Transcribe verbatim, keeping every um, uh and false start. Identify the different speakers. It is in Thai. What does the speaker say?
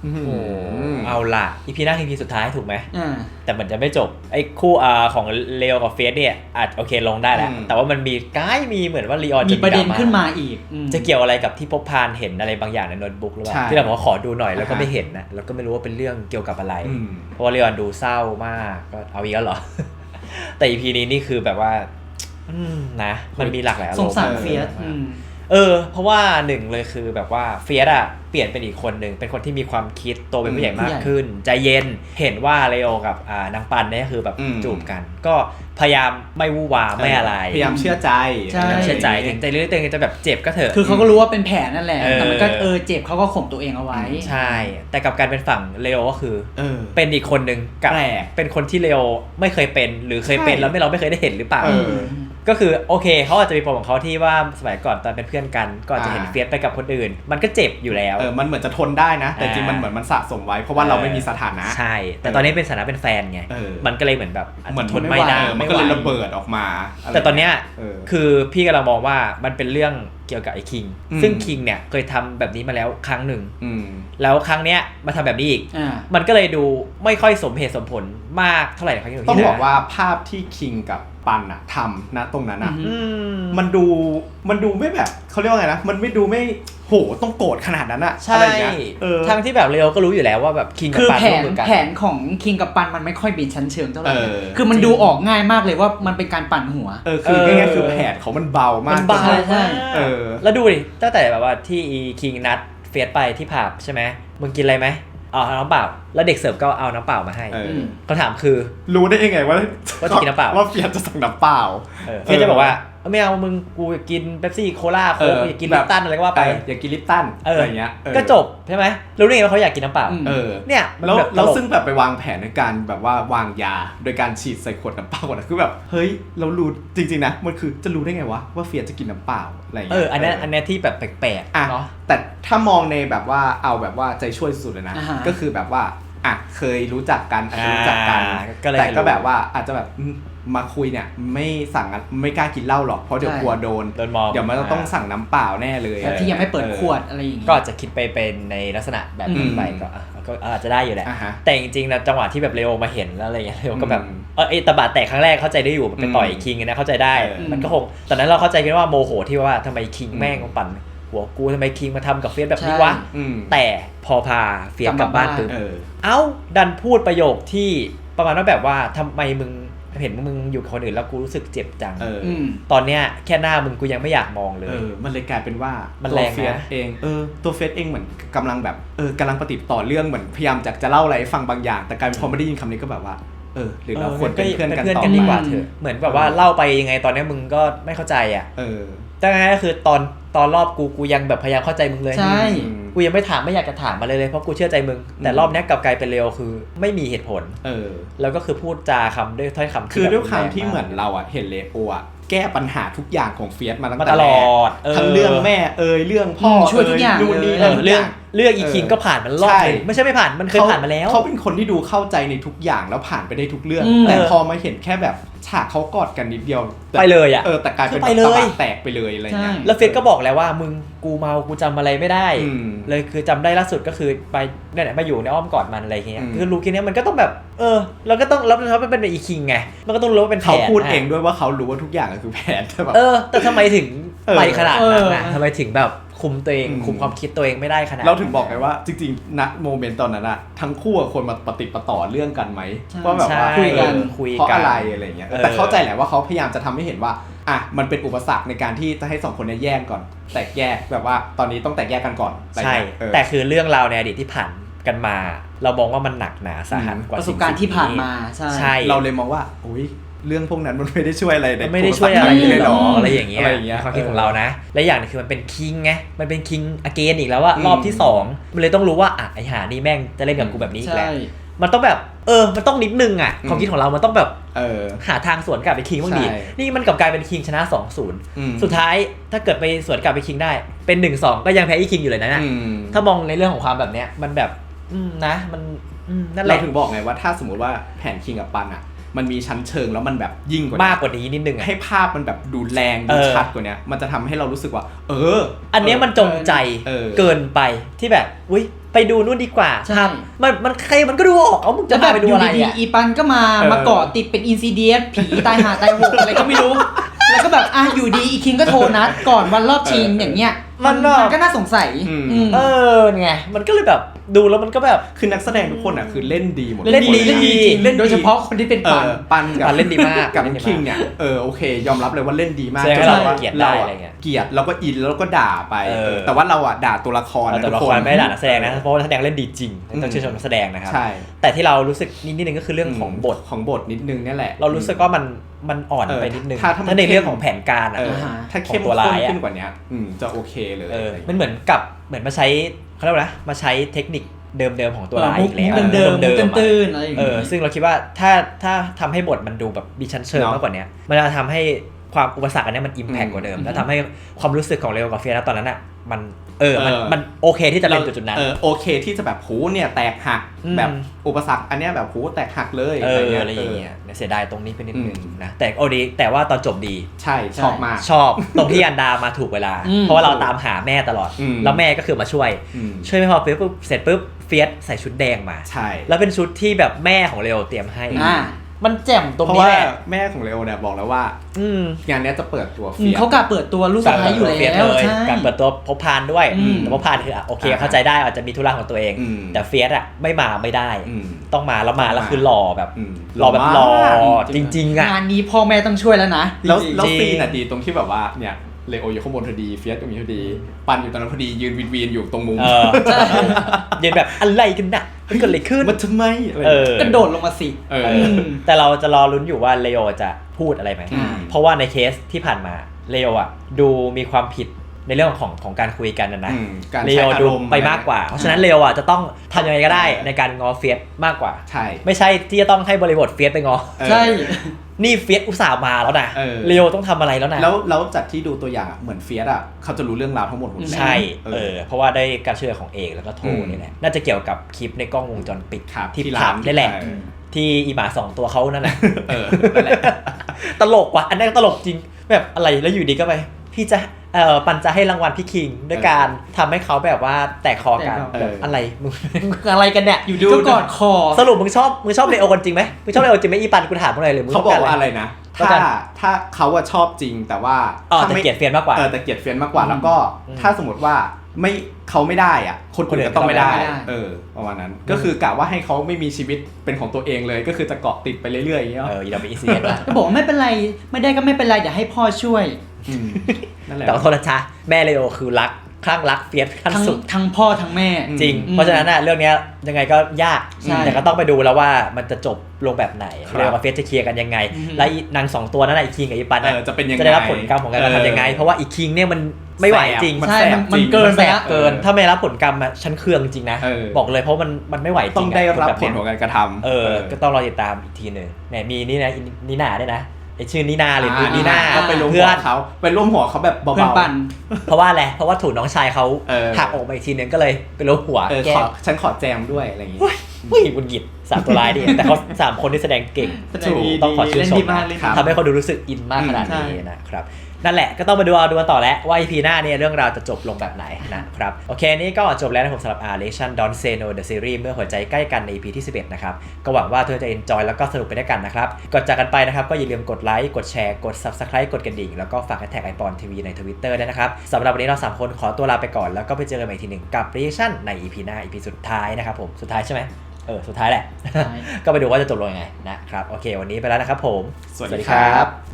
Speaker 1: เอาล่ะอีพีหน้าคืออีพีสุดท้ายถูกไหม
Speaker 2: อ่า
Speaker 1: แต่มันจะไม่จบไอ้คู่อ่าของเลโอกับเฟสเนี่ยอาจโอเคลงได้แล้วแต่ว่ามันมีก้ายมีเหมือนว่าลีออน
Speaker 2: มีประเด็นขึ้นมาอีก
Speaker 1: จะเกี่ยวอะไรกับที่พบพานเห็นอะไรบางอย่างในโน้ตบุ๊กหรือเปล่าที่เราบอกว่าขอดูหน่อยแล้วก็ไม่เห็นนะแล้วก็ไม่รู้ว่าเป็นเรื่องเกี่ยวกับอะไรเพราะว่าลีออนดูเศร้ามากก็เอาอีกแล้วเหรอแต่อีพีนี้นี่คือแบบว่านะมันมีหลากหลายอารมณ์
Speaker 2: สงสารเฟียส
Speaker 1: เออเพราะว่าหนึ่งเลยคือแบบว่าเฟียสอะเปลี่ยนเป็นอีกคนหนึ่งเป็นคนที่มีความคิดโตเป็นผู้ใหญ่มากขึ้นใจเย็นเห็นว่าเลโอกับอ่านางปันเนี่ยคือแบบจูบกันก็พยายามไม่วู่วาไม่อะไร
Speaker 3: พยายามเชื่อใจ
Speaker 1: เชื่อใจถึงใจเรื่องๆจะแบบเจ็บก็เถอะ
Speaker 2: คือเขาก็รู้ว่าเป็นแผลนั่นแหละแต่มันก็เออเจ็บเขาก็ข่มตัวเองเอาไว้
Speaker 1: ใช่แต่กับการเป็นฝั่งเลโอก็คือเป็นอีกคนหนึ่งกับเป็นคนที่เลโอไม่เคยเป็นหรือเคยเป็นแล้วไม่เราไม่เคยได้เห็นหรือเปล่าก็คือโอเคเขาอาจจะมีปมของเขาที่ว่าสมัยก่อนตอนเป็นเพื่อนกันก็จะเห็นเฟียสไปกับคนอื่นมันก็เจ็บอยู่แล้ว
Speaker 3: เออมันเหมือนจะทนได้นะแต่จริงมันเหมือนมันสะสมไว้เพราะว่าเราไม่มีสถานะ
Speaker 1: ใช่แต่ตอนนี้เป็นสถานะเป็นแฟนไงมันก็เลยเหมือนแบบ
Speaker 3: เหมือน
Speaker 1: ทนไม่ได้
Speaker 3: มันก็เลยระเบิดออกมา
Speaker 1: แต่ตอนเนี้ยคือพี่กำลังมองว่ามันเป็นเรื่องเกี่ยวกับไอ้คิงซึ่งคิงเนี่ยเคยทำแบบนี้มาแล้วครั้งหนึ่งแล้วครั้งเนี้ยมาทำแบบนี้อีกมันก็เลยดูไม่ค่อยสมเหตุสมผลมากเท่าไหร่ครั้งที่
Speaker 3: ต้องบอกว่าภาพที่คิงกับปันอะทำนะตรงนั้นอะมันดูมันดูไม่แบบเขาเรียกว่าไงนะมันไม่ดูไม่โหต้องโกรธขนาดนั้นอะ
Speaker 1: ใช่ทั้งที่แบบเลโอก็รู้อยู่แล้วว่าแบบคิงกับปัน
Speaker 2: ร่วมมือกันแผนของคิงกับปันมันไม่ค่อยบินชั้นเชิงเท่าไหร่คือมันดูออกง่ายมากเลยว่ามันเป็นการปั่นหัว
Speaker 3: เออคือง่ายๆคือแผนเขามันเบามาก
Speaker 1: มันเบาใช่เออแล้วดูดิตั้งแต่แบบว่าที่คิงนัดเฟียสไปที่ผับใช่ไหมมึงกินอะไรไหมเอาน้ำเปล่าแล้วเด็กเสิร์ฟก็เอาน้ำเปล่ามาให้คำถามคือ
Speaker 3: รู้ได้ยังไงว่า
Speaker 1: ว่าจะกินน้ำเปล่า
Speaker 3: ว่าเฟียสจะสั่งน้ำเปล่า
Speaker 1: เฟียสจะบอกว่าไม่เอามึงกูอยากกินเป๊ปซี่โคลาโค้กอยากกินลิปตันอะไรก็ว่าไป
Speaker 3: อยากกินลิปตันอะไรเงี้ย
Speaker 1: ก็จบใช่ไหมรู้ได้ไงว่าเขาอยากกินน้ำเปล่าเนี่ย
Speaker 3: แล้วแล้วซึ่งแบบไปวางแผนในการแบบว่าวางยาโดยการฉีดใส่ขวดน้ำเปล่าก่อนคือแบบเฮ้ยเรารู้จริงๆนะมันคือจะรู้ได้ไงวะว่าเฟียสจะกินน้ำเปล่าอะไรเงี้ย
Speaker 1: เอออันนี้อันนี้ที่แบบแปลกๆเนาะ
Speaker 3: แต่ถ้ามองในแบบว่าเอาแบบว่าใจช่วยสุดเลยนะก็คือแบบว่าอ่ะเคยรู้จักกันอาจจะรู้จักกันแต่ก็แบบว่าอาจจะแบบมาคุยเนี่ยไม่สั่งไม่กล้ากินเหล้าหรอกเพราะเดี๋ยวกลัวโดนเดี๋ยวมันต้องสั่งน้ำเปล่าแน่เลย
Speaker 2: ที่ยังไม่เปิดขวดอะไรอย่างงี้
Speaker 1: ก็อาจจะคิดไปเป็นในลักษณะแบบนี้ไปก็ก็อาจจะได้อยู่แหละแต่จริงๆนะจังหวะที่แบบเลโอมาเห็นแล้วอะไรอย่างเงี้ยเลโอก็แบบเออไอ้ตะบะแตกครั้งแรกเข้าใจได้อยู่เป็นต่อยคิงนะเข้าใจได้มันก็คงตอนนั้นเราเข้าใจกันว่าโมโหที่ว่าทำไมคิงแม่งปั่นหัวกูทำไมคิงมาทำกับเฟียสแบบนี้วะแต่พอพาเฟียสกลับบ้านปุ๊บเอ้าดันพูดประโยคที่ประมาณว่าแบบว่าทำไมมึงเห็นมึงอยู่กับคนอื่นแล้วกูรู้สึกเจ็บจังตอนเนี้ยแค่หน้ามึงกูยังไม่อยากมองเลย
Speaker 3: เออมันเลยกลายเป็นว่า
Speaker 1: มันแรง
Speaker 3: เฟียสเองเออตัวเฟียสเองเหมือนกำลังแบบเออกำลังปฏิบัติต่อเรื่องเหมือนพยายามจะจะเล่าอะไรให้ฟังบางอย่างแต่กลายเป็นพอไม่ได้ยินคำนี้ก็แบบว่าเออหรือเราควรเป็นเพื่อนกันต่อ
Speaker 1: ดีกว่าเถอะเหมือนแบบว่าเล่าไปยังไงตอนนี้มึงก็ไม่เข้าใจอ่ะ
Speaker 3: เออ
Speaker 1: แต่ไงก็คือตอนตอนรอบกูกูยังแบบพยายามเข้าใจมึงเลย
Speaker 2: ใช่
Speaker 1: กูยังไม่ถามไม่อยากจะถามมาเลยเลยเพราะกูเชื่อใจมึงแต่รอบนี้กลับกลายเป็นเร็วคือไม่มีเหตุผล
Speaker 3: เออ
Speaker 1: แล้วก็คือพูดจาคำด้วยถ้อยคำ
Speaker 3: คือด้วยคำที่เหมือนเราอ่ะเห็นเลโออ่ะแก้ปัญหาทุกอย่างของเฟียสมาตั้งแต่
Speaker 1: ตลอด
Speaker 3: ทั้งเรื่องแม่เอ่ยเรื่องพ่อ
Speaker 2: ช่วยทุกอย่าง
Speaker 3: นู่นนี่
Speaker 1: เรื่องเรื่องอีคิงก็ผ่านมันรอบนึงไม่ใช่ไม่ผ่านมันเคยผ่านมาแล้ว
Speaker 3: เขาเป็นคนที่ดูเข้าใจในทุกอย่างแล้วผ่านไปได้ทุกเรื่องแต่พอมาเห็นแค่แบบฉากเขากอดกันนิดเดียว
Speaker 1: ไปเลยอ่ะ
Speaker 3: เออแต่กลายเป็นตะบะแตกไปเลยอะไรเงี้ย
Speaker 1: แล้วเฟียสก็บอกแล้วว่ามึงกูเมากูจำอะไรไม่ได้เลยคือจำได้ล่าสุดก็คือไปเนี่ยมาอยู่ในอ้อมกอดมันอะไรเงี้ยคือรู้แค่นี้มันก็ต้องแบบเออเราก็ต้องรับเขาเป็นอีคิงไงมันก็ต้องรู้ว่าเป็นแผน
Speaker 3: เขาพูดเองด้วยว่าเขารู้ว่าทุกอย่างคือแผนใช่ป่ะ
Speaker 1: เออแต่ทำไมถึงไปขนาดนั้นอ่ะทำไมถึงแบบคุมตัวเองคุมความคิดตัวเองไม่ได้ขนาด
Speaker 3: เราถึงบอกไงว่าจริงๆณโมเมนต์ตอนนั้นอะทั้งคู่ควรมาปฏิปต่อเรื่องกันไหมว่าแบบว่า
Speaker 1: คุยกัน
Speaker 3: เพราะอะไรอะไรเงี้ยแต่เข้าใจแหละว่าเขาพยายามจะทำให้เห็นว่าอ่ะมันเป็นอุปสรรคในการที่จะให้สองคนนี้แยกก่อนแตกแยกแบบว่าตอนนี้ต้องแตกแยกกันก่อน
Speaker 1: ใช่แต่คือเรื่องราวในอดีตที่ผ่านกันมาเรามองว่ามันหนักหนาสาหัสกว่า
Speaker 2: ประสบการณ์ที่ผ่านมาใช่
Speaker 3: เราเลยมองว่าอุ้ยเรื่องพวกนั้นมันไม่ได้ช่วยอะไร
Speaker 1: เลยไม่ได้ช่วยอะไรเลยหรออะไรอย่างเงี้ยความคิดของเรานะและอย่างนึงคือมันเป็นคิงไงมันเป็นคิงอเกนอีกแล้วว่ารอบที่สองมันเลยต้องรู้ว่าอ่ะไอ้หานี่แม่งจะเล่นกับกูแบบนี้อีกแล้วมันต้องแบบเออมันต้องนิดนึงอ่ะความคิดของเรามันต้องแบบ
Speaker 3: เออ
Speaker 1: หาทางสวนกลับไปคิงบ้างดินี่มันกลับกลายเป็นคิงชนะ สองศูนย์ สุดท้ายถ้าเกิดไปสวนกลับไปคิงได้เป็น หนึ่งสอง ก็ยังแพ้อีคิงอยู่เลยนะถ้ามองในเรื่องของความแบบเนี้ยมันแบบนะมันนั่นแหละ
Speaker 3: เราถึงบอกไงว่าถ้าสมมติว่าแผนคิงกับปันอ่ะมันมีชั้นเชิงแล้วมันแบบยิ่งกว่าม
Speaker 1: ากกว่านี้นิดนึง
Speaker 3: ให้ภาพมันแบบดูแรงดูชัดกว่านี้มันจะทำให้เรารู้สึกว่าเออ
Speaker 1: อันนี้มันจงใจเกินไปที่แบบอุ้ยไปดูนู่นดีกว่า
Speaker 2: ใช่
Speaker 1: มันมันใครมันก็ดูออกเอามึงจะพาไปดูอะไร
Speaker 2: ดี
Speaker 1: อ่ะ
Speaker 2: ๆอีปันก็มามาเกาะติดเป็นอินซิเดียสผีตายหาตายโหงอะไรก็ไม่รู้แล้วก็แบบอ่ะอยู่ดีอีคิงก็โทรนัดก่อนวันรอบชิงอย่างเงี้ยมันมันก็น่าสงสัย
Speaker 1: เออไงมันก็เลยแบบดูแล้วมันก็แบบ
Speaker 3: คือนักแสดงทุกคนอ่ะคือเล่นดีหมด
Speaker 1: เล่นดี
Speaker 2: เล่นโดยเฉพาะคนที่เป็นปัน
Speaker 3: ปันกับ
Speaker 1: เล่นดีมาก
Speaker 3: กับคิงเนี่ยเออโอเคยอมรับเลยว่าเล่นดีมาก
Speaker 1: จนเราเกลียดได้อะไรเงี้ย
Speaker 3: เกลียดแล้วก็อินแล้วก็ด่าไปแต่ว่าเราอ่ะด่าตัวละครนะ
Speaker 1: ตัวละครไม่ด่านักแสดงนะเพราะว่านักแสดงเล่นดีจริงต้องชื่นชมนักแสดงนะครับแต่ที่เรารู้สึกนิดนึงก็คือเรื่องของบท
Speaker 3: ของบทนิดนึงนี่แหละ
Speaker 1: เรารู้สึกว่ามันมันอ่อนไปนิดนึงถ้าในเรื่องของแผนการอ่ะ
Speaker 3: ถ้าเข้มข้นขึ้นกว่านี้จะโอเคเลย
Speaker 1: มันเหมือนกับเหมือนมาใช้เขาเรียกว่านะมาใช้เทคนิคเดิมๆของตัวร้ายอีกแล้ว
Speaker 2: เดิมๆตื้นๆอะไรอย่าง
Speaker 1: เอ
Speaker 2: เงี้
Speaker 1: อย ซึ่งเราคิดว่าถ้าถ้าทำให้บทมันดูแบบมีชั้นเชิงมากกว่านี้มันจะทำให้ความอุปสรรคอันนี้มันอิมแพคกว่าเดิมแล้วทำให้ความรู้สึกของเรโอกับเฟียสตอนนั้นอ่ะมันเออมันมันโอเคที่จะเป็นจุดๆนั้น
Speaker 3: เออโอเคที่จะแบบหูเนี่ยแตกหักแบบอุปสรรคอันเนี้ยแบบหูแตกหักเลย
Speaker 1: เอออะไรอย่างเงี้ยเสียดายตรงนี้ไปนิดนึงนะแต่โอดีแต่ว่าตอนจบดี
Speaker 3: ใช่ชอบมาก
Speaker 1: ชอบตรงที่อันดามาถูกเวลาเพราะว่าเราตามหาแม่ตลอดแล้วแม่ก็คือมาช่วยช่วยไม่พอปุ๊บเสร็จปุ๊บเฟียสใส่ชุดแดงมา
Speaker 3: ใช่
Speaker 1: แล้วเป็นชุดที่แบบแม่ของเรโอเตรียมให้มันแจ่มตรง
Speaker 3: นี้แหละแม่ของเรโอเนี่ยบอกแล้วว่า
Speaker 1: อืม
Speaker 3: งานนี้จะเปิดตัวเฟียส
Speaker 2: เขากะเปิดตัวลูกสะใภ้อยู่แล้ว
Speaker 1: ใช่การเปิดตัวพบพานด้วยแต่พบพานคือโอเคเข้าใจได้อาจจะมีธุระของตัวเองแต่เฟียสอ่ะไม่มาไม่ได้ต้องมาแล้วมาแล้วคือหล่อแบบหล่อแบบหล่อจริงๆอ่ะ
Speaker 2: งานนี้พ่อแม่ต้องช่วยแล้วนะ
Speaker 3: แล้วแล้วซีนอ่ะดีตรงที่แบบว่าเนี่ยเรโออยู่ข้างบนพอดีเฟียสอยู่พอดีปันอยู่ตรงนั้นพอดียืนวีนๆอยู่ตรงมุม
Speaker 1: ยืนแบบอะไรกันน่ะมันเกิดอะไรขึ้น
Speaker 3: มันทำไม
Speaker 2: กระโดดลงมาสิ
Speaker 1: แต่เราจะรอลุ้นอยู่ว่าเรโอจะพูดอะไรไหมเพราะว่าในเคสที่ผ่านมาเรโออ่ะดูมีความผิดในเรื่องของของการคุยกันนะนะเรโอดูไปมากกว่าเพราะฉะนั้นเรโออ่ะจะต้องทำยังไงก็ได้ในการงอเฟียสมากกว่า
Speaker 3: ใช่
Speaker 1: ไม่ใช่ที่จะต้องให้บริบทเฟียสไปงอ
Speaker 2: ใช่
Speaker 1: นี่เฟียสอุตส่าห์มาแล้วนะเรโอต้องทำอะไรแล้วนะ
Speaker 3: แล้วแล้วจากที่ดูตัวอย่างเหมือนเฟียสอ่ะเขาจะรู้เรื่องราวทั้งหมดหมด
Speaker 1: ใช่เออเพราะว่าได้การช่วยของเอกแล้วก็โทนี่แหละน่าจะเกี่ยวกับคลิปในกล้องวงจรปิดที่ผับนี่แหละที่อีหมาสองตัวเขานั่นแหละ
Speaker 3: เออนั่นแหละ
Speaker 1: ตลกว่ะอันนั้นตลกจริงแบบอะไรแล้วอยู่ดีก็ไปพี่จะเอ่อปันจะให้รางวัลพี่คิงด้วยการทำให้เขาแบบว่าแตกคอกันแบบอะไรมึงอะไรกันเนี่ย
Speaker 2: อยู่ดูก็กอดคอ
Speaker 1: สรุปมึงชอบมึงชอบเลโอกันจริงไหมมึงชอบเลโอจริงไหมอีปันกูถามมึงเลยหรือมึง
Speaker 3: เขาบอกว่าอะไรนะถ้าถ้าเขาว่าชอบจริงแต่ว่า
Speaker 1: แต่เกลียดเฟียนมากกว่า
Speaker 3: เออแต่เกลียดเฟียนมากกว่าแล้วก็ถ้าสมมติว่าไม่เขาไม่ได้อ่ะคนอื่นก็ต้องไม่ได้เออประมาณนั้นก็คือกะว่าให้เขาไม่มีชีวิตเป็นของตัวเองเลยก็คือจะเกาะติดไปเรื่อยๆอย่างเงี้ย
Speaker 1: เอออย่าไปอีซีนะ
Speaker 2: ก็บอกไม่เป็นไรไม่ได้ก็ไม่เป็นไรเดี๋ยวให้พ่อช่วย
Speaker 1: แต่ขอโทษนะจ๊ะแม่เลโอคือรักคลั่งรักเฟียสขั้นสุด
Speaker 2: ทั้งพ่อทั้งแม่
Speaker 1: จริงเพราะฉะนั้นน่ะเรื่องนี้ยังไงก็ยากแต่ก็ต้องไปดูแล้วว่ามันจะจบลงแบบไหนเลโอกับเฟียสจะเคลียร์กันยังไงและนางสองตัวนั้นอีคิงกับอีปัน
Speaker 3: จะเป็นยังไง
Speaker 1: จะได้รับผลกรรมของการกระทำยังไงเพราะว่าอีคิงเนี่ยมันไม่ไหวจริง
Speaker 2: ใช่มันเกินไปแล้ว
Speaker 1: เกินถ้าไม่รับผลกรรมอ่ะฉันเคืองจริงนะบอกเลยเพราะมันมันไม่ไหวจริง
Speaker 3: ต้องได้รับผลของการกระทำ
Speaker 1: เออก็ต้องรอติดตามอีกทีนึงเนี่ยมีนี่นะนีน่าด้วยนะไอชื่อนีน่าเลยนีน่า
Speaker 3: ไปร่วมหัวเขาไปร่วมหัวเขาแบบเบา
Speaker 1: ๆเพราะว่าอะไรเพราะว่าถูกน้องชายเขาหักออกมาอีกทีนึงก็เลยไปร่วมหัว
Speaker 3: แกฉันขอแจมด้วยอะไรอย่างงี้
Speaker 1: เฮ้ยบุญหยิบสามตัวร้ายดิแต่เขาสามคนที่แสดงเก่งต้องขอชื่นชมทำให้เขาดูรู้สึกอินมากขนาดนี้นะครับนั่นแหละก็ต้องมาดูเอาดูกันต่อแล้วว่า อี พี หน้าเนี่ยเรื่องราวจะจบลงแบบไหนนะครับโอเคนี่ก็จบแล้วนะผมสำหรับ Relation Don't Say No The Series เมื่อหัวใจใกล้กันใน อี พี ที่สิบเอ็ดนะครับก็หวังว่าทุกคนจะ enjoy แล้วก็สนุกไปด้วยกันนะครับก่อนจากกันไปนะครับก็อย่าลืมกดไลค์กดแชร์กด Subscribe กดกระดิ่งแล้วก็ฝากแท็กไอปอนทีวีใน Twitter ด้วยนะครับสำหรับวันนี้เราสามคนขอตัวลาไปก่อนแล้วก็ไปเจอกันใหม่ทีหนึ่งกับ Relation ใน อี พี หน้า อี พี สุดท้ายนะครับผมสุดท้ายใช่ไหมเออสุดท้ายแหละก็ไปดูว่าจะจบลงยังไงนะครับโอเควันนี้ไปแล้วนะครับผม
Speaker 3: สวัสดีครับ